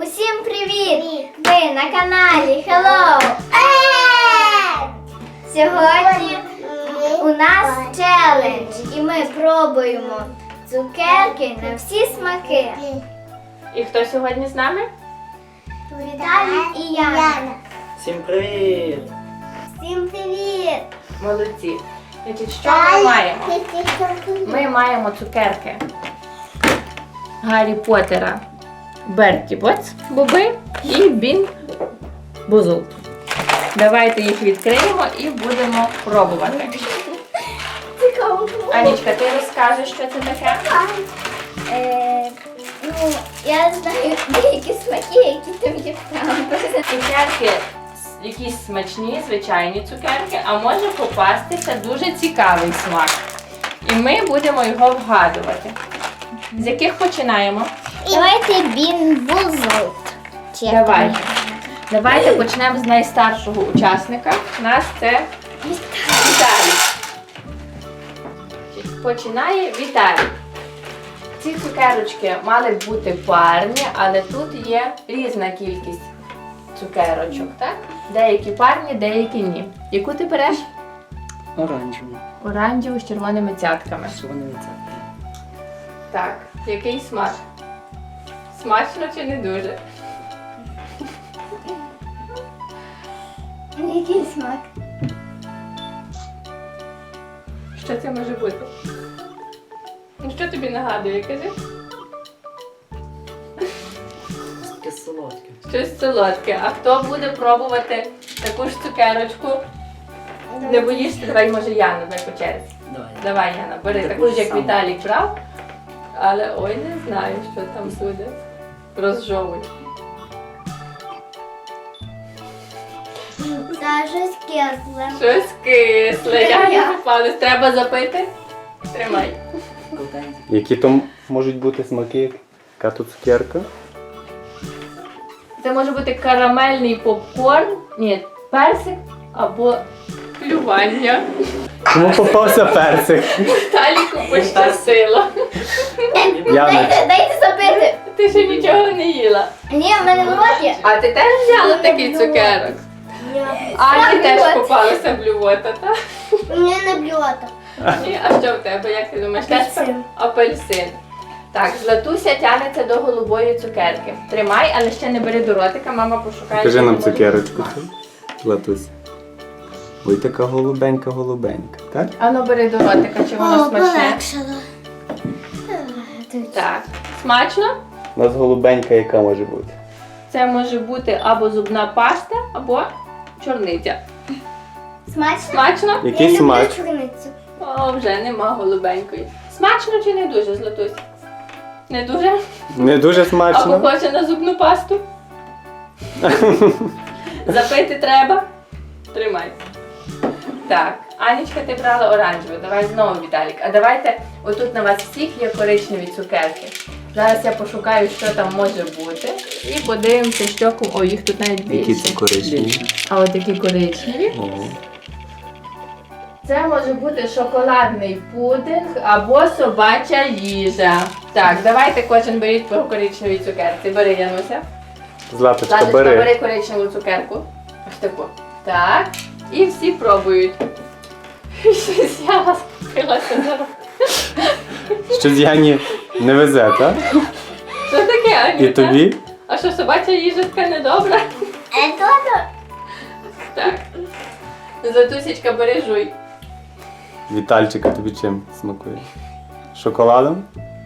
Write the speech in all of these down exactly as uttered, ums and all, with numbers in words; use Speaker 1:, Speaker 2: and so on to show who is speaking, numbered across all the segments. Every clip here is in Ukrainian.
Speaker 1: Усім привіт! Ви на каналі Hello! Сьогодні у нас челендж і ми пробуємо цукерки на всі смаки.
Speaker 2: І хто сьогодні з нами?
Speaker 1: Віталій і Яна.
Speaker 3: Всім привіт!
Speaker 1: Всім привіт!
Speaker 2: Молодці. Значить, що ми маємо? Ми маємо цукерки Гаррі Поттера, Берті Боц, Боби і Бін Бузул. Давайте їх відкриємо і будемо пробувати.
Speaker 1: Цікаво.
Speaker 2: Анічка, ти розкажеш, що це таке?
Speaker 1: Е, ну, я знаю деякі смаки, які там є там.
Speaker 2: Цукерки якісь смачні, звичайні цукерки, а може попастися дуже цікавий смак. І ми будемо його вгадувати. З яких починаємо?
Speaker 1: Давайте Бін Бузул.
Speaker 2: Давайте. Давайте почнемо з найстаршого учасника. У нас це Віталій. Починає Віталій. Ці цукерочки мали б бути парні, але тут є різна кількість цукерочок, так? Деякі парні, деякі ні. Яку ти береш?
Speaker 3: Оранжевий.
Speaker 2: Оранжеву з червоними цятками.
Speaker 3: Червоний це.
Speaker 2: Так, який смак? Смачно чи не дуже?
Speaker 1: Який смак?
Speaker 2: Що це може бути? Ну що тобі нагадує, кажи?
Speaker 3: Таке солодке.
Speaker 2: Щось солодке. А хто буде пробувати таку ж цукерочку? Не боїшся? Давай, може, Яна, давай по черзі.
Speaker 3: Давай.
Speaker 2: Давай, Яна, бери
Speaker 3: Таку
Speaker 2: таку ж,
Speaker 3: ж
Speaker 2: як
Speaker 3: саму.
Speaker 2: Віталік брав. Але ой, не знаю, що там буде. Розжовуй.
Speaker 1: Це щось кисле.
Speaker 2: Щось кисле. Я не попалась. Треба запити? Тримай.
Speaker 3: Колтенький.
Speaker 4: Які там можуть бути смаки? Яка тут цукерка?
Speaker 2: Це може бути карамельний попкорн, ні, персик або плювання.
Speaker 4: Кому попався персик?
Speaker 2: Таліку пощастило.
Speaker 4: Яна.
Speaker 1: Дайте, дайте запити.
Speaker 2: Ти ще нічого не їла.
Speaker 1: Ні, в мене в роті.
Speaker 2: А ти теж взяла такий цукерок? Ані теж попалася блювота, так?
Speaker 1: Мені не блювата.
Speaker 2: Ні, а що в тебе, як ти думаєш? Теж
Speaker 1: Апельсин.
Speaker 2: апельсин. Так, Златуся тягнеться до голубої цукерки. Тримай, але ще не бери до ротика, мама пошукає.
Speaker 4: Покажи
Speaker 2: що
Speaker 4: нам
Speaker 2: може
Speaker 4: цукерочку.
Speaker 2: бути.
Speaker 4: Латусь. Ой, така голубенька-голубенька, так?
Speaker 2: Ану бери до ротика, чи воно смачне.
Speaker 1: полегшало.
Speaker 2: Так. Смачно?
Speaker 4: У нас голубенька яка може бути?
Speaker 2: Це може бути або зубна паста, або чорниця.
Speaker 1: Смачно?
Speaker 2: Смачно?
Speaker 4: Який
Speaker 1: Я люблю
Speaker 4: смак?
Speaker 1: чорницю.
Speaker 2: О, вже нема голубенької. Смачно чи не дуже, Златусь? Не дуже?
Speaker 4: Не дуже
Speaker 2: А
Speaker 4: смачно.
Speaker 2: похоже на зубну пасту? Запити треба? Тримай. Так, Анічка, ти брала оранжеву. Давай знову, Віталік. А давайте, отут на вас всіх є коричневі цукерки. Зараз я пошукаю, що там може бути. І подивимося, що кому. О, їх тут навіть
Speaker 4: Які
Speaker 2: більше.
Speaker 4: це коричневі?
Speaker 2: А от такі коричневі.
Speaker 4: Ого.
Speaker 2: Це може бути шоколадний пудинг або собача їжа. Так, давайте кожен беріть по коричневій цукерці. Бери, Януся.
Speaker 4: Златочка,
Speaker 2: Ладочка,
Speaker 4: бери.
Speaker 2: бери коричневу цукерку. Ось таку. Так. І всі пробують. Щось я вас купилася за руку.
Speaker 4: Щось Яні не везе, так?
Speaker 2: Що таке, Аніта?
Speaker 4: І тобі?
Speaker 2: А що, собача їжа така недобра?
Speaker 1: Е, то-то.
Speaker 2: Так. Златусечка, бери жуй.
Speaker 4: Вітальчика тобі чим смакує? Шоколадом?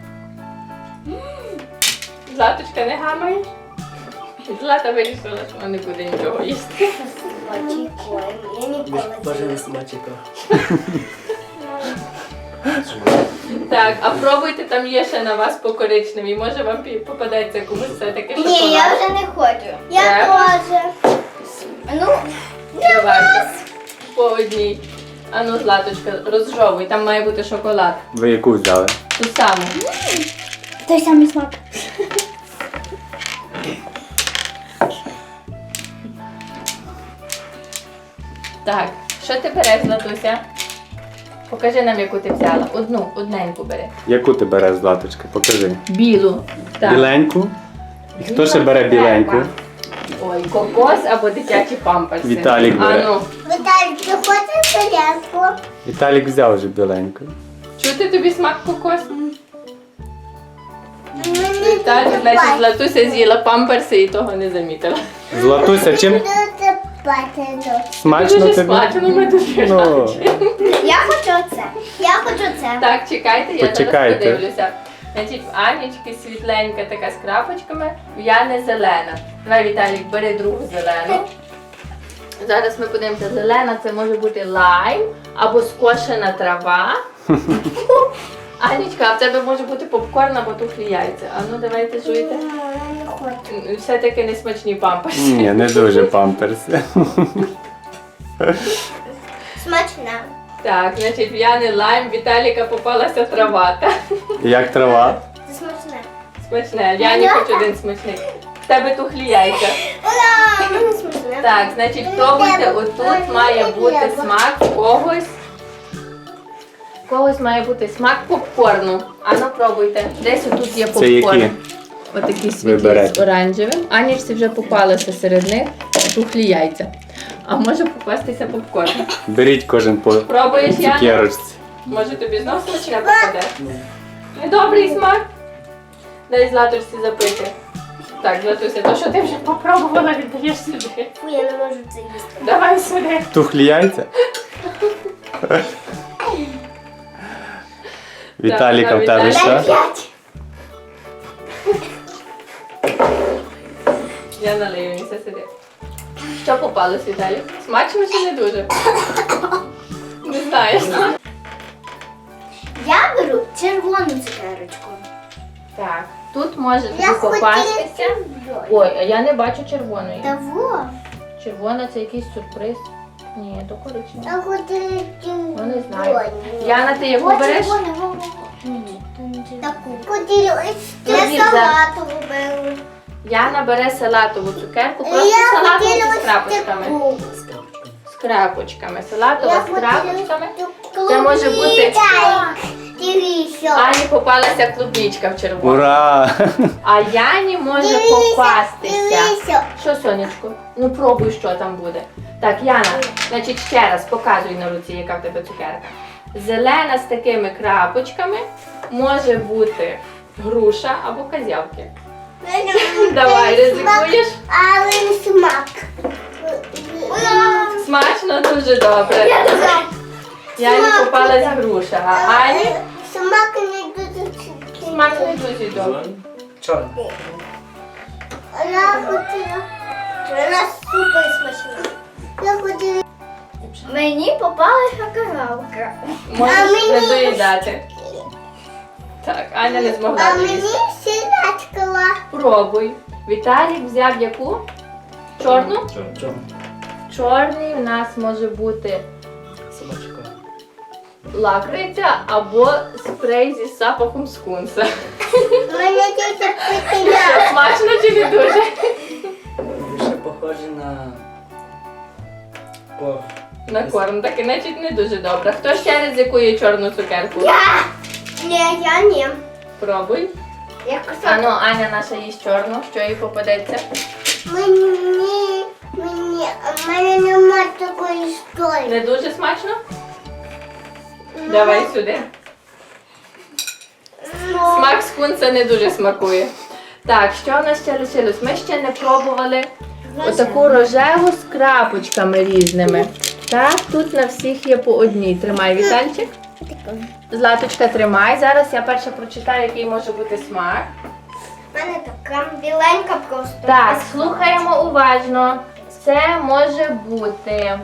Speaker 2: Златочка, не гамаєш? Злата вирішила, що вона не буде нічого їсти.
Speaker 1: Очікуємо. Я ніколи
Speaker 3: Боже,
Speaker 1: не
Speaker 3: не собачика.
Speaker 2: Так, а пробуйте, там є ще на вас по коричневій. Може вам пі- попадеться комусь все-таки шоколад.
Speaker 1: Ні, я вже не хочу. Я
Speaker 2: Треба?
Speaker 1: теж. Ну,
Speaker 2: Давайте. По одній. А ну, Златочка, розжовуй, там має бути шоколад.
Speaker 4: Ви яку взяли?
Speaker 2: Ту саму.
Speaker 1: той самий смак.
Speaker 2: Так, що ти береш, Златуся? Покажи нам, яку ти взяла. Одну, одненьку бери.
Speaker 4: Яку ти береш, Златочка? Покажи.
Speaker 2: Білу. Так.
Speaker 4: Біленьку? І хто ще бере біленьку?
Speaker 2: Ой, кокос або дитячі памперси.
Speaker 4: Віталік бере.
Speaker 2: А ну,
Speaker 1: Віталій, ти хочеш селянку?
Speaker 4: Віталік взяв вже біленьку.
Speaker 2: чути тобі смак кокос?
Speaker 1: Мені
Speaker 2: Віталік,
Speaker 1: дуже
Speaker 2: значить, Златуся з'їла памперси і того не замітила.
Speaker 4: Златуся, чим
Speaker 1: Дуже бачено.
Speaker 4: смачно
Speaker 2: Дуже
Speaker 4: тобі?
Speaker 2: смачно, ми дуже
Speaker 4: Ну.
Speaker 2: раді.
Speaker 1: Я хочу це. Я хочу це.
Speaker 2: Так, чекайте, я
Speaker 4: Почекайте.
Speaker 2: зараз подивлюся. Значить, в Анічки світленька така з крапочками, в Яни зелена. Давай, Віталік, бери другу зелену. Зараз ми подивимося, зелена це може бути лайм або скошена трава. Анічка, а в тебе може бути попкорн або тухлі яйця. А ну давайте жуйте.
Speaker 1: Я не хочу.
Speaker 2: Все-таки не смачні памперси.
Speaker 4: Ні, не дуже памперси.
Speaker 1: Смачна.
Speaker 2: Так, значить, в Яни лайм, Віталіка попалася трава. Та?
Speaker 4: Як трава?
Speaker 1: Це смачне.
Speaker 2: Смачне. Яні хоч один смачний. В тебе тухлі яйця.
Speaker 1: Ура! Мені смачне.
Speaker 2: Так, значить, пробуйте, отут має бути смак когось. В Когось має бути смак попкорну. Ану, пробуйте. Десь отут є
Speaker 4: Це
Speaker 2: попкорн.
Speaker 4: які?
Speaker 2: Отакі
Speaker 4: Ви
Speaker 2: світлі з
Speaker 4: берете.
Speaker 2: оранжевим. Анічці вже попалися серед них тухлі яйця. А може попастися попкорн.
Speaker 4: Беріть кожен по
Speaker 2: Пробуєш, Яна?
Speaker 4: цукерочці.
Speaker 2: Може тобі знов смачне попаде? Недобрий смак? Дай Златусі запити. Так, Златуся, то що ти вже попробувала, віддаєш сюди.
Speaker 1: Фу, я не можу це їсти.
Speaker 2: Давай сюди.
Speaker 4: Тухлі яйця? Віталіка, в тебе
Speaker 2: Віталік.
Speaker 4: що?
Speaker 1: П'ять.
Speaker 2: Я налию, він все сидить. Що попалось, Віталій? Смачно чи не дуже? Не знаєш.
Speaker 1: Я беру червону цукерочку.
Speaker 2: Так, тут може тобі
Speaker 1: Я
Speaker 2: попастися.
Speaker 1: хотіла.
Speaker 2: Ой, а я не бачу червоної.
Speaker 1: Того.
Speaker 2: Червона це якийсь сюрприз. Ні, то коричнева.
Speaker 1: Я хотіла
Speaker 2: Ну не знаю. Яна, ти яку
Speaker 1: Ось
Speaker 2: береш?
Speaker 1: червону, во, во, во. Таку. Хотіла ось
Speaker 2: Ну,
Speaker 1: я
Speaker 2: Ліза.
Speaker 1: салатову беру.
Speaker 2: Яна бере салатову цукерку, просто
Speaker 1: Я
Speaker 2: салатову
Speaker 1: хотіла
Speaker 2: з
Speaker 1: ось
Speaker 2: крапочками.
Speaker 1: таку.
Speaker 3: З крапочками.
Speaker 2: З крапочками. Салатова
Speaker 1: Я
Speaker 2: з
Speaker 1: хотіла
Speaker 2: крапочками.
Speaker 1: таку.
Speaker 2: Це може бути-
Speaker 1: Чай. Дивіться.
Speaker 2: Ані попалася клубничка в червону.
Speaker 4: Ура!
Speaker 2: А Яні може
Speaker 1: Дивіться,
Speaker 2: попастися.
Speaker 1: дивіться.
Speaker 2: Що, сонечко? Ну пробуй, що там буде. Так, Яна, значить ще раз показуй на руці, яка в тебе цукерка. Зелена з такими крапочками може бути груша або козявки. Давай, ризикуєш?
Speaker 1: Але не смак.
Speaker 2: Смачно, дуже добре. Яні попалась груша, а Ані
Speaker 1: Смак не дуже чіткий.
Speaker 2: смак не дуже добрий.
Speaker 3: Чорний.
Speaker 1: Я хотіла. Вона супер смачна. Я хотіла. Мені попалася коровка. А
Speaker 2: Можеш
Speaker 1: мені-
Speaker 2: не доїдати. Так, Аня не змогла
Speaker 1: А мені
Speaker 2: доїсти.
Speaker 1: сілячкова.
Speaker 2: Пробуй. Віталік взяв яку? Чорну?
Speaker 3: Чорний.
Speaker 2: Чорний у нас може бути
Speaker 3: Собачка.
Speaker 2: лакриця або спрей зі запахом скунса.
Speaker 1: Мене тільки питання.
Speaker 2: Що, смачно чи не дуже?
Speaker 3: Більше похоже на корм.
Speaker 2: На корм, так і значить не дуже добре. Хто ще ризикує чорну цукерку?
Speaker 1: Я. Ні, я ні.
Speaker 2: Пробуй.
Speaker 1: Я
Speaker 2: Ану, Аня наша їсть чорну, що їй попадеться.
Speaker 1: Мені, мені, а в мене нема такої історії.
Speaker 2: Не дуже смачно? Давай сюди. Смак скунса не дуже смакує. Так, що у нас ще лишилось? Ми ще не пробували отаку рожеву з крапочками різними. Так, тут на всіх є по одній. Тримай, Вітальчик. Златочка, тримай. Зараз я перше прочитаю, який може бути смак.
Speaker 1: У мене така біленька просто.
Speaker 2: Так, слухаємо уважно. Це може бути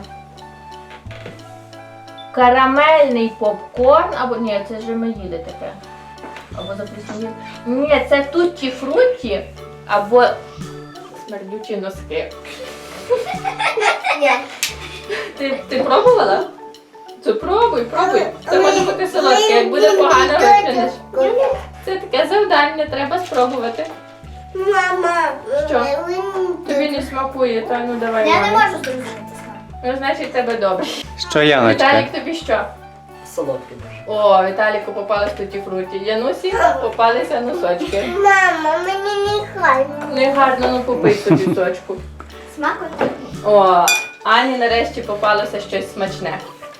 Speaker 2: карамельний попкорн, або ні, це ж ми їли таке. Або запліснявіле. Ні, це тутті фрутті, або смердючі носки.
Speaker 1: Ні.
Speaker 2: Ти, ти пробувала? Це пробуй, пробуй. Це може бути солодке, як буде погано викинеш. Це таке завдання, треба спробувати.
Speaker 1: Мама.
Speaker 2: Що?
Speaker 1: ви не-
Speaker 2: Тобі не смакує, то ну давай.
Speaker 1: Я не
Speaker 2: мамі.
Speaker 1: можу зрозуміти смак.
Speaker 2: Ну, значить, тебе добре.
Speaker 4: Що, Яночка?
Speaker 2: Віталік, тобі що?
Speaker 3: солодкий дуже.
Speaker 2: О, Віталіку попалось туті фруті. Янусі попалися носочки.
Speaker 1: Мама, мені не гарно.
Speaker 2: Не гарно, ну попий собі сочку.
Speaker 1: Смакота.
Speaker 2: О, Ані нарешті попалося щось смачне.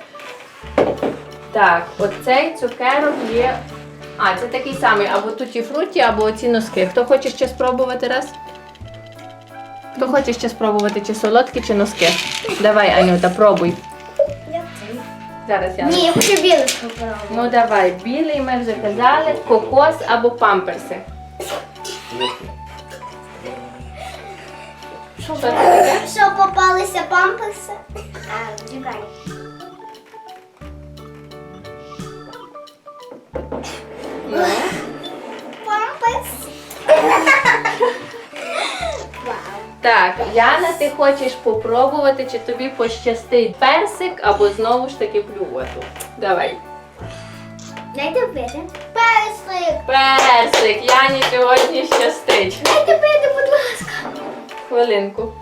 Speaker 2: Так, оцей цукерок є. А, це такий самий, або туті фруті, або оці носки. Хто хоче ще спробувати раз? Хто хоче ще спробувати, чи солодкі, чи носки? Давай, Анюта, пробуй. Зараз я.
Speaker 1: Ні, я хочу білий спробувати.
Speaker 2: Ну давай, білий ми вже казали, кокос або памперси. Що це таке?
Speaker 1: Що попалися памперси? А, чекай.
Speaker 2: Ну.
Speaker 1: Памперс. Вау.
Speaker 2: Так, Яна, ти хочеш попробувати, чи тобі пощастить персик або знову ж таки блювоту. Давай.
Speaker 1: Дайте пити. Персик.
Speaker 2: Персик, Яні сьогодні щастить.
Speaker 1: Дайте пити, будь ласка.
Speaker 2: Хвилинку.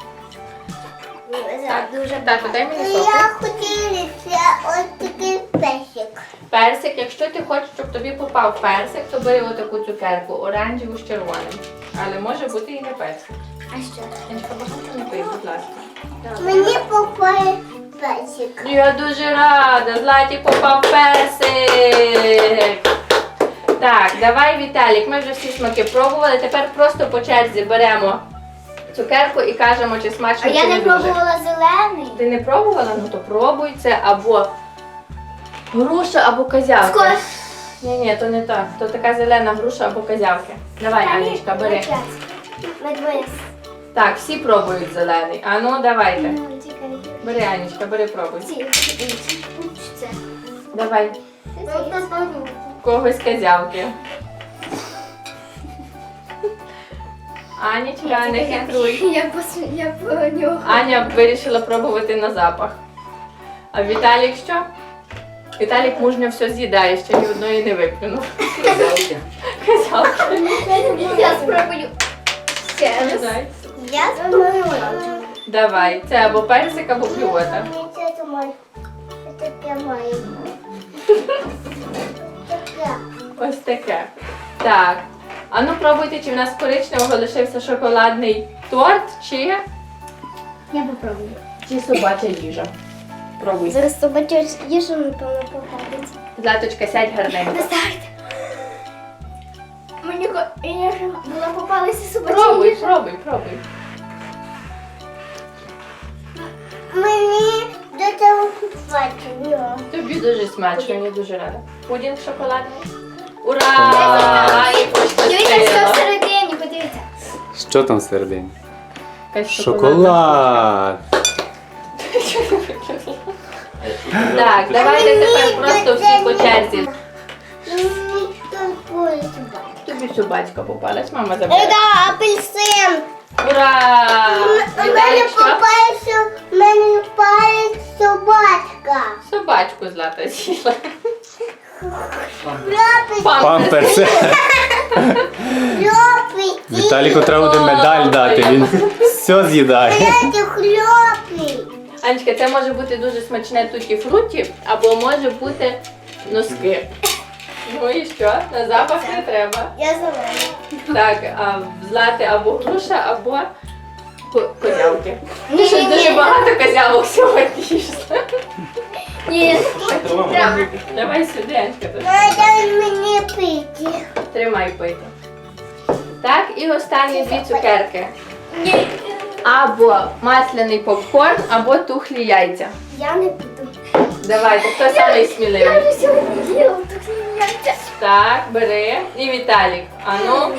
Speaker 2: Так,
Speaker 1: Дуже
Speaker 2: так, дай мені соку.
Speaker 1: хотілося ось такий персик.
Speaker 2: Персик, якщо ти хочеш, щоб тобі попав персик, то бери отаку цукерку, оранжеву з червоним. Але може бути і не персик.
Speaker 1: А що?
Speaker 2: Яночка, багато не пий, будь ласка.
Speaker 1: Мені попає персик.
Speaker 2: Я дуже рада, Златі попав персик. Так, давай, Віталік, ми вже всі смаки пробували. Тепер просто по черзі беремо цукерку і кажемо, чи смачно,
Speaker 1: А
Speaker 2: чи
Speaker 1: я не
Speaker 2: дуже.
Speaker 1: пробувала зелений.
Speaker 2: Ти не пробувала? Ну то пробуй, це або груша, або козявки.
Speaker 1: Скоро.
Speaker 2: Ні, ні, то не так. То така зелена груша або козявки. Давай, Анічка, бери.
Speaker 1: Ми двоє.
Speaker 2: Так, всі пробують зелений. А ну, давайте.
Speaker 1: Ну, чекай.
Speaker 2: Бери, Анічка, бери, пробуй.
Speaker 1: Ці, інші. Це.
Speaker 2: Давай. Когось козявки. Анічка, не хитруй.
Speaker 1: Я пос... я понюхаю.
Speaker 2: Аня вирішила пробувати на запах. А Віталік що? Віталік мужньо все з'їдає, ще ні одної не виплюнув.
Speaker 3: Козявки.
Speaker 2: Козявки.
Speaker 1: Я спробую. Ще раз.
Speaker 2: Давай.
Speaker 1: Я спробую.
Speaker 2: Давай, це або персик, або блювота.
Speaker 1: Це моє. Це таке моє. Таке.
Speaker 2: Ось таке. Так. А ну пробуйте, чи в нас коричневого лишився шоколадний торт, чи,
Speaker 1: Я попробую.
Speaker 2: чи собача їжа. Пробуй.
Speaker 1: Зараз собачу їжу, напевно, попадеться.
Speaker 2: Златочка, сядь гарненько.
Speaker 1: На старт. Мені їжа була попалася собача
Speaker 2: Пробуй,
Speaker 1: їжа.
Speaker 2: пробуй, пробуй.
Speaker 1: Мені до цього смачно.
Speaker 2: Тобі дуже смачно, я дуже рада. Пудінг шоколадний. Ура! Ані
Speaker 1: Дивіться, що
Speaker 2: пощастило.
Speaker 1: всередині, подивіться.
Speaker 4: Що там всередині?
Speaker 2: Якась шоколадна
Speaker 4: Шоколад!
Speaker 2: Так, давайте тепер просто всі по черзі.
Speaker 1: Мені такої собаки.
Speaker 2: Тобі собачка попалась, мама забере.
Speaker 1: Це апельсин.
Speaker 2: Ура!
Speaker 1: У мене
Speaker 2: Віталік, що?
Speaker 1: попалася, у мене попалась собачка.
Speaker 2: Собачку Злата з'їла.
Speaker 1: Хлопець,
Speaker 4: Памперси!
Speaker 1: хлопець.
Speaker 4: Віталіку треба буде медаль дати, він все з'їдає.
Speaker 1: Це хлопець.
Speaker 2: Анечка, це може бути дуже смачне туті-фруті, або може бути носки. Ну і що? На запах не треба.
Speaker 1: Я зелена.
Speaker 2: Так, а в Злати або груша, або ко- козявки. Ти
Speaker 1: Ні,
Speaker 2: щось
Speaker 1: ні,
Speaker 2: дуже
Speaker 1: ні.
Speaker 2: багато козявок сьогодні їсти.
Speaker 1: Ні,
Speaker 2: Давай сюди, Анечка. тут.
Speaker 1: дай мені пити.
Speaker 2: Тримай пити. Так, і останні дві цукерки. Або масляний попкорн, або тухлі яйця.
Speaker 1: Я не буду.
Speaker 2: Давайте, хто самий сміливий?
Speaker 1: Я вже сьогодні їла тут яйця.
Speaker 2: Так, бери. І Віталік. Ану.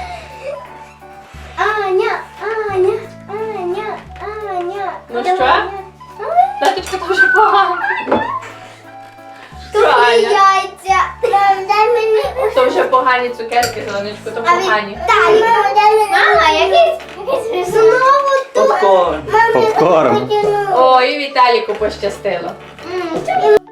Speaker 1: Аня, Аня, Аня, Аня.
Speaker 2: Ну
Speaker 1: Давай,
Speaker 2: що?
Speaker 1: Аня.
Speaker 2: Таточка дуже погано. Що,
Speaker 1: Тухлі
Speaker 2: Аня?
Speaker 1: яйця. Мам, дай мені.
Speaker 2: То вже погані цукерки, Зеленочко, то
Speaker 1: А від-
Speaker 2: погані.
Speaker 1: Дай, мам, дай мені. Мама, якийсь, якийсь знову тут.
Speaker 3: Попкорн.
Speaker 1: Мам, я
Speaker 4: Попкорн.
Speaker 1: хотіла.
Speaker 2: О, і Віталіку пощастило.
Speaker 1: М,